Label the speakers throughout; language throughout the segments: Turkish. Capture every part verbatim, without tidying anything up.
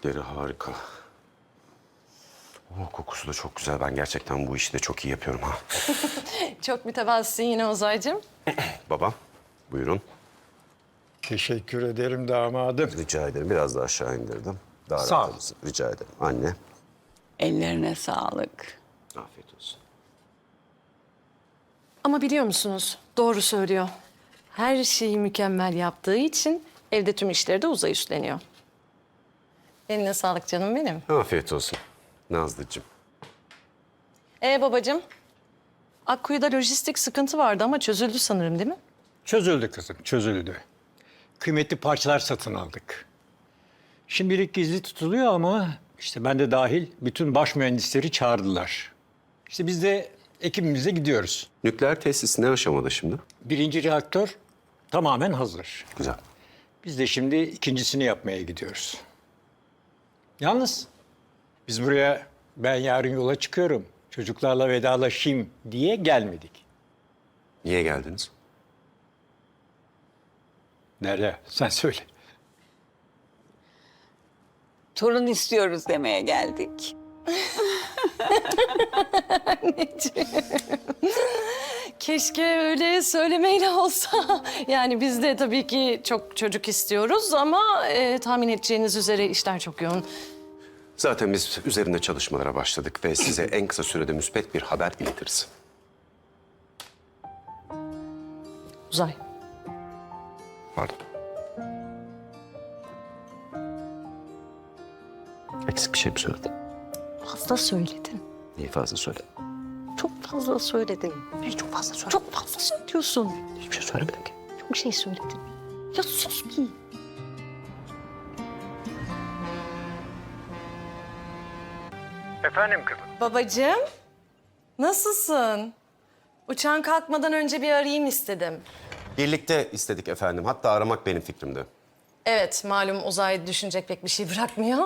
Speaker 1: Yemekleri harika. Oh, kokusu da çok güzel. Ben gerçekten bu işi de çok iyi yapıyorum ha.
Speaker 2: Çok mütevazısın yine Ozay'cığım.
Speaker 1: Babam, buyurun.
Speaker 3: Teşekkür ederim damadım.
Speaker 1: Rica ederim. Biraz daha aşağı indirdim. Daha
Speaker 3: Sağ
Speaker 1: rahat
Speaker 3: ol.
Speaker 1: olursun. Rica ederim. Anne,
Speaker 4: Ellerine sağlık.
Speaker 1: afiyet olsun.
Speaker 2: Ama biliyor musunuz? Doğru söylüyor. Her şeyi mükemmel yaptığı için evde tüm işleri de Uzay üstleniyor. Eline sağlık canım benim.
Speaker 1: Afiyet olsun Nazlıcığım.
Speaker 2: Ee babacığım? Akkuyu'da lojistik sıkıntı vardı ama çözüldü sanırım değil mi?
Speaker 3: Çözüldü kızım, çözüldü. Kıymetli parçalar satın aldık. Şimdilik gizli tutuluyor ama işte ben de dahil bütün baş mühendisleri çağırdılar. İşte biz de ekibimize gidiyoruz.
Speaker 1: Nükleer tesis ne aşamada şimdi?
Speaker 3: Birinci reaktör tamamen hazır.
Speaker 1: Güzel.
Speaker 3: Biz de şimdi ikincisini yapmaya gidiyoruz. Yalnız biz buraya ben yarın yola çıkıyorum, çocuklarla vedalaşayım diye gelmedik.
Speaker 1: Niye geldiniz?
Speaker 3: Derya sen söyle.
Speaker 4: Torun istiyoruz demeye geldik.
Speaker 2: Keşke öyle söylemeyle olsa. Yani biz de tabii ki çok çocuk istiyoruz ama e, tahmin edeceğiniz üzere işler çok yoğun.
Speaker 1: Zaten biz üzerinde çalışmalara başladık ve size en kısa sürede müspet bir haber iletiriz.
Speaker 2: Uzay.
Speaker 1: Pardon. Eksik bir şey mi söyledim?
Speaker 2: Fazla söyledin.
Speaker 1: Neyi fazla söyledim?
Speaker 2: Çok fazla söyledin.
Speaker 1: Hiç çok fazla söyledim.
Speaker 2: Çok fazla söylüyorsun.
Speaker 1: Hiçbir şey söylemedim ki.
Speaker 2: Çok şey söyledin. Ya sus bir.
Speaker 3: Efendim kızım.
Speaker 2: Babacığım, nasılsın? Uçağın kalkmadan önce bir arayayım istedim.
Speaker 1: Birlikte istedik efendim. Hatta aramak benim fikrimdi.
Speaker 2: Evet, malum Uzay düşünecek pek bir şey bırakmıyor.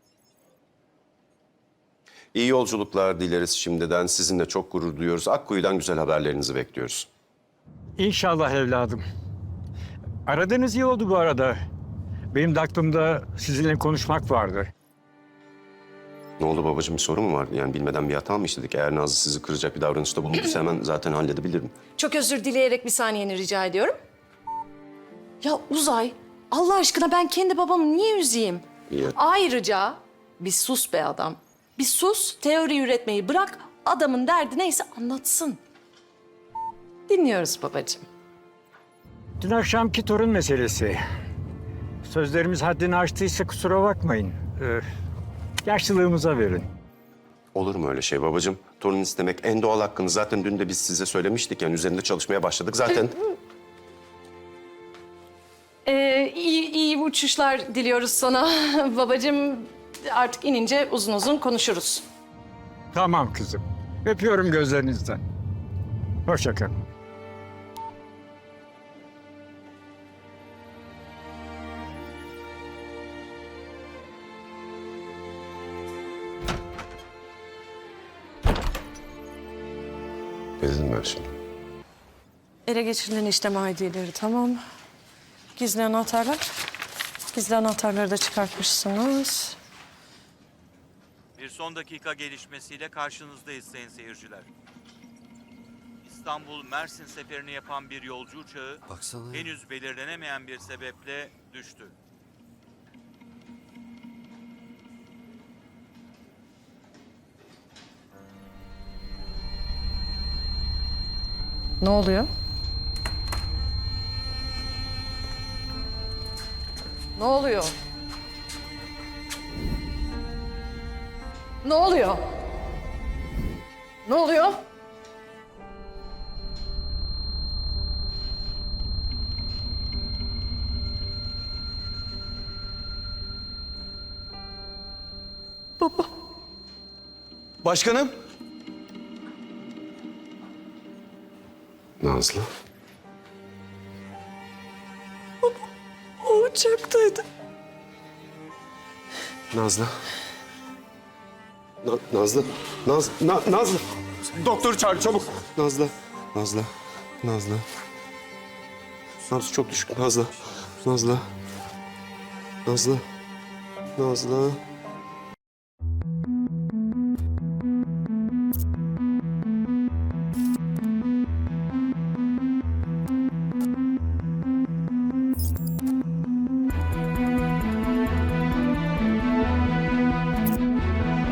Speaker 1: İyi yolculuklar dileriz şimdiden. Sizinle çok gurur duyuyoruz. Akkuyu'dan güzel haberlerinizi bekliyoruz.
Speaker 3: İnşallah evladım. Aradığınız iyi oldu bu arada. Benim de aklımda sizinle konuşmak vardı.
Speaker 1: Ne oldu babacığım, bir sorun mu vardı? Yani bilmeden bir hata mı işledik? Eğer Nazlı sizi kıracak bir davranışta bulunduysa hemen zaten halledebilirim.
Speaker 2: Çok özür dileyerek bir saniyeni rica ediyorum. Ya Uzay, Allah aşkına ben kendi babamı niye üzeyim?
Speaker 1: İyi.
Speaker 2: Ayrıca bir sus be adam. Bir sus, teori üretmeyi bırak, adamın derdi neyse anlatsın. Dinliyoruz babacığım.
Speaker 3: Dün akşamki torun meselesi. Sözlerimiz haddini aştıysa kusura bakmayın. Ee, yaşlılığımıza verin.
Speaker 1: Olur mu öyle şey babacığım? Torun istemek en doğal hakkınız. Zaten dün de biz size söylemiştik. Yani üzerinde çalışmaya başladık zaten.
Speaker 2: Ee, iyi, iyi uçuşlar diliyoruz sana babacığım. Artık inince uzun uzun konuşuruz.
Speaker 3: Tamam kızım. Öpüyorum gözlerinizden. Hoşça kalın.
Speaker 1: Ne dedim ben şimdi?
Speaker 2: Ele geçirilen işlem I D'leri tamam. Gizli anahtarlar. Gizli anahtarları da çıkartmışsınız.
Speaker 5: Bir son dakika gelişmesiyle karşınızdayız sayın seyirciler. İstanbul-Mersin seferini yapan bir yolcu uçağı
Speaker 1: Baksana ya.
Speaker 5: henüz belirlenemeyen bir sebeple düştü.
Speaker 2: Ne oluyor? Ne oluyor? Ne oluyor? Ne oluyor?
Speaker 1: Başkanım. Nazlı.
Speaker 2: O uçaktaydı.
Speaker 1: Nazlı. Na- Nazlı. Naz Na- Nazlı. Doktor çağır çabuk. Nazlı. Nazlı. Nazlı. Nabzı çok düşük. Nazlı. Nazlı. Nazlı. Nazlı.